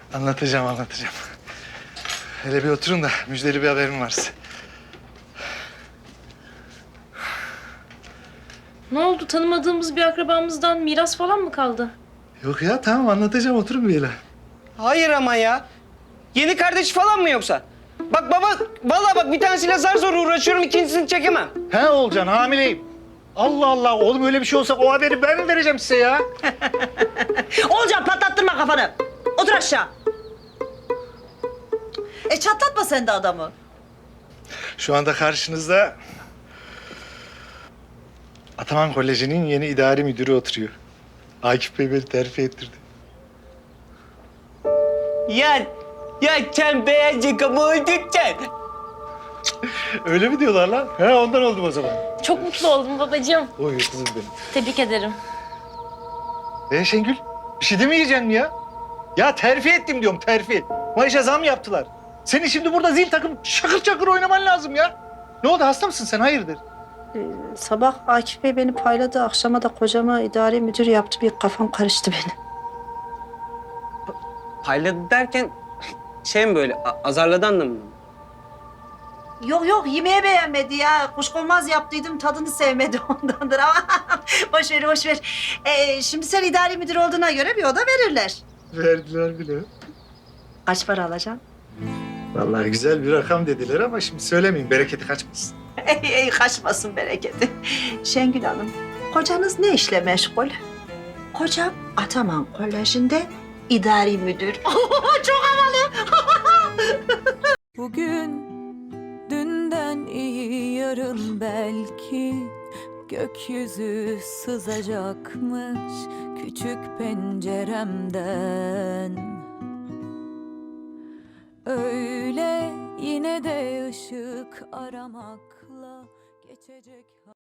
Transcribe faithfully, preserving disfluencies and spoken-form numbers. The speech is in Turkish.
Anlatacağım, anlatacağım. Hele bir oturun da müjdeli bir haberim var size. Ne oldu? Tanımadığımız bir akrabamızdan miras falan mı kaldı? Yok ya, tamam anlatacağım. Oturun bir hele. Hayır ama ya. Yeni kardeş falan mı yoksa? Bak baba, vallahi bak bir tanesiyle zar zor uğraşıyorum, ikincisini çekemem. He Olcan, hamileyim. Allah Allah, oğlum öyle bir şey olsa o haberi ben mi vereceğim size ya? Olcan patlattırma kafanı. Otur aşağı. E çatlatma sen de adamı. Şu anda karşınızda Ataman Koleji'nin yeni idari müdürü oturuyor. Akif Bey beni terfi ettirdi. Ya, ya sen beğenecek ama oldun sen. Öyle mi diyorlar lan? He, ondan oldum o zaman. Çok mutlu oldum babacığım. Oy kızım benim. Tebrik ederim. Ee Şengül, bir şey demeyeceksin mi ya? Ya terfi ettim diyorum, terfi. Maaşa zam yaptılar. Senin şimdi burada zil takım şakır çakır oynaman lazım ya. Ne oldu, hasta mısın sen, hayırdır? Sabah Akif Bey beni payladı, akşama da kocama idari müdür yaptı. Bir kafam karıştı benim. Payladı derken şey mi böyle, a- azarladı anlamında mı? Yok yok, yemeği beğenmedi ya. Kuşkonmaz yaptıydım, tadını sevmedi ondandır ama boş ver, boş ver. Ee, şimdi sen idari müdür olduğuna göre bir oda verirler. Verdiler bile. Kaç para alacaksın? Vallahi güzel bir rakam dediler ama şimdi söylemeyeyim, bereketi kaçmasın. Ey, ey kaçmasın bereketi. Şengül Hanım, kocanız ne işle meşgul? Kocam Ataman Koleji'nde idari müdür. Çok havalı. Bugün dünden iyi yarın belki gökyüzü sızacakmış küçük penceremden. Öyle yine de ışık aramakla geçecek.